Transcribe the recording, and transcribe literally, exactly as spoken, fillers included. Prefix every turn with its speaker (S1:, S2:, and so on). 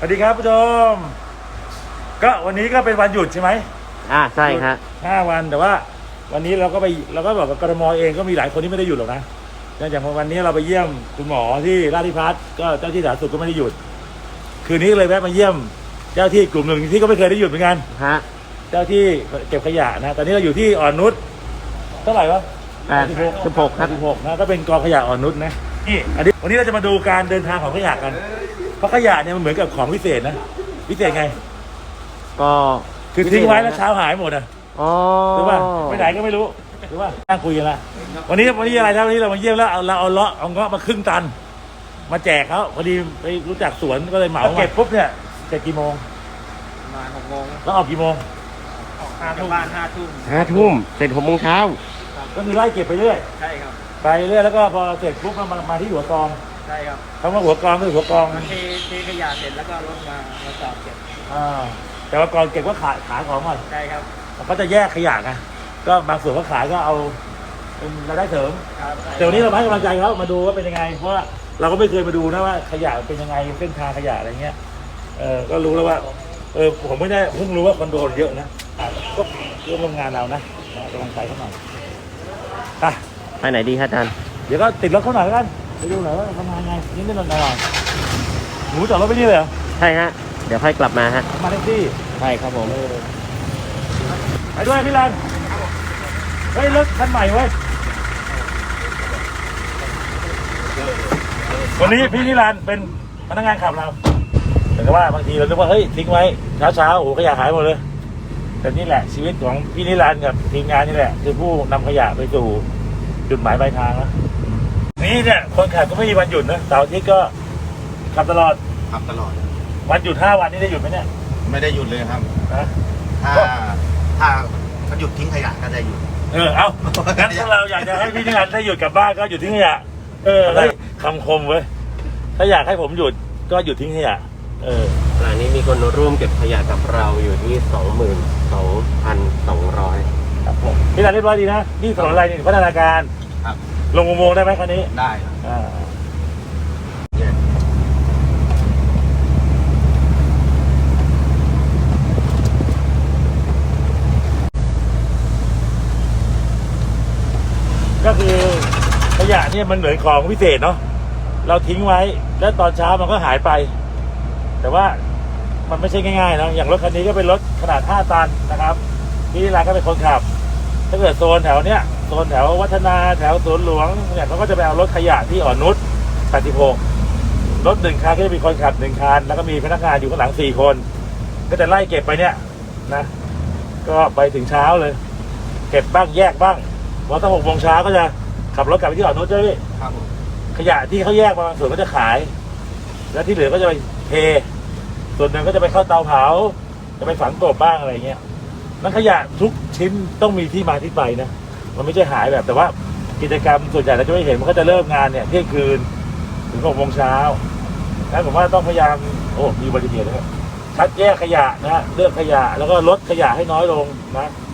S1: สวัสดีครับผู้ชมก็วันนี้ก็เป็นวันหยุดใช่ไหม
S2: อ่าใช่ครับ
S1: ห้าวันแต่ว่าวันนี้เราก็ไปเราก็บอกกับกทมเองก็มีหลายคนที่ไม่ได้หยุดหรอกนะเนื่องจากวันนี้เราไปเยี่ยมคุณหมอที่ราชพิพัฒน์ก็เจ้าที่สาธารณสุขก็ไม่ได้หยุดคืนนี้เลยแวะมาเยี่ยมเจ้าที่กลุ่มหนึ่งที่ก็ไม่เคยได้หยุดเหมือนกัน
S2: ฮะ
S1: เจ้าที่เก็บขยะนะตอนนี้เราอยู่ที่อ่อนนุชเท่าไหร่วะ
S2: แปดสิบหกครับ
S1: สิบหกนะก็เป็นกองขยะอ่อนนุชนะนี่อันนี้วันนี้เราจะมาดูการเดินทางของขยะกันเพราะขยะเนี่ยมันเหมือนกับของพิเศษนะพิเศษไง
S2: ก็
S1: คือทิ้งไว้แล้วเช้าหายหมดอ่ะ
S2: อ๋อ
S1: หรือว่าไปไหนก็ไม่รู้หรือว่านั่งคุยกันละวันนี้วันนี้อะไรนะวันนี้เรามาเยี่ยมแล้วเอาเราเอาเลาะเอาเงาะมาครึ่งตันมาแจกเขาพอดีไปรู้จักสวนก็เลยเหมาเก็บปุ๊บเนี่ยเสร็จกี่โมง
S3: ประมาณหกโมง
S1: แล้วออกกี่โมง
S3: ออกห้าทุ่มบ้านห้าทุ่ม
S2: ห้าทุ่มเสร็จหกโมงเช้า
S1: ก็คือไล่เก็บไปเรื่อย
S3: ใช่ครับ
S1: ไปเรื่อยแล้วก็พอเสร็จปุ๊บก็มามาที่หัวกอง
S3: ใช่ครับ
S1: คำว่าหัวกองคือหัวกอง
S3: มันเทเทขยะเสร็จแล้วก็รถมามาจอดเก็บ
S1: อ่าแต่ว่ากองเก็บก็ขายขายของก่อน
S3: ใช่ครับ
S1: เขาจะแยกขยะไงก็บางส่วนเขาขายก็เอาเป็นรายได้เสริมแต่วันนี้เราให้กำลังใจเขามาดูว่าเป็นยังไงเพราะว่าเราก็ไม่เคยมาดูนะว่าขยะเป็นยังไงเส้นทางขยะอะไรเงี้ยเออก็รู้แล้วว่าเออผมไม่ได้เพิ่งรู้ว่าคอนโดเยอะนะก็เรื่องโรงงานเรานะกำลังใจเขาหน่อยไป
S2: ไปไหนดีครับอาจารย์
S1: เดี๋ยวก็ติดรถเขาหน่อยกันไปดูหน่อยว่าทำงานไงนิดนิดหน่อยหน่อยหนูจอดรถไปนี่เลยเหรอ
S2: ใช่ฮะเดี๋ยวค่อยกลับมาฮะ
S1: มาแท็กซี่
S2: ใช่ครับผม
S1: ไปด้วยพี่รันเฮ้ยรถคันใหม่เว้ยวันนี้พี่นิรันดร์เป็นพนักงานขับเราแต่ว่าบางทีเราคิดว่าเฮ้ยทิ้งไว้เช้าเช้าโอ้ขยะหายหมดเลยแต่นี่แหละชีวิตของพี่นิรันดร์กับทีมงานนี่แหละคือผู้นำขยะไปสู่จุดหมายปลายทางแล้วนี่เนี่ยคนขับก็ไม่มีวันหยุดนะเสาร์อาทิตย์ก็ขับตลอด
S4: ขับตลอด
S1: วันหยุดห้าวันนี้ได้หยุดไหมเนี่ย
S4: ไม่ได้หยุดเลยครับ
S1: นะ
S4: ถ้าถ้าเขาหยุดทิ้งขยะก็ได้หยุด
S1: เออเอางั้นถ้าเราอยากจะให้พี่นิรันดร์ได้หยุดกลับบ้านก็หยุดทิ้งขยะเออเฮ้ยคำคมเว้ยถ้าอยากให้ผมหยุดก็หยุดทิ้งขยะเออ
S2: ขณะนี้มีคนร่วมเก็บขยะกับเราอยู่ที่สองหมื่นสองพันสองร้อย
S1: ครับผมพี่รันเรียบร้อยดีนะนี่ถนนอะไรนี่พัฒนาการ
S4: ครับ
S1: ลงอุโมงค์ได้ไหมคันนี้
S4: ได้
S1: อ่าก็คือขยะเนี่ยมันเหมือนของพิเศษเนาะเราทิ้งไว้แล้วตอนเช้ามันก็หายไปแต่ว่ามันไม่ใช่ง่ายๆนะอย่างรถคันนี้ก็เป็นรถขนาดห้าตันนะครับพี่นิรันดร์ก็เป็นคนขับถ้าเกิดโซนแถวเนี้ยโซนแถววัฒนาแถวสวนหลวงเนี่ยเขาก็จะไปเอารถขยะที่อ่อนนุชแปดสิบหกรถหนึ่งคันก็จะมีคนขับหนึ่งคันแล้วก็มีพนักงานอยู่ข้างหลังสี่คนก็จะไล่เก็บไปเนี่ยนะก็ไปถึงเช้าเลยเก็บบ้างแยกบ้างพอตั้งหกโมงเช้าก็จะขับรถกลับไปที่อ่อนนุชใช่ไหมพี่
S4: ครับ
S1: ขยะที่เขาแยกมาบางส่วนก็จะขายแล้วที่เหลือก็จะไปเทส่วนหนึ่งก็จะไปเข้าเตาเผาจะไปฝังกบบ้างอะไรเงี้ยนั่นขยะทุกชิ้นต้องมีที่มาที่ไปนะมันไม่ใช่หายแบบแต่ว่ากิจกรรมส่วนใหญ่เราจะไม่เห็นมันก็จะเริ่มงานเนี่ยเที่ยงคืนถึงหกโมงเช้าแล้วผมว่าต้องพยายามโอ้มีอุบัติเหตุนะครับคัดแยกขยะนะเลือกขยะแล้วก็ลดขยะให้น้อยลงนะ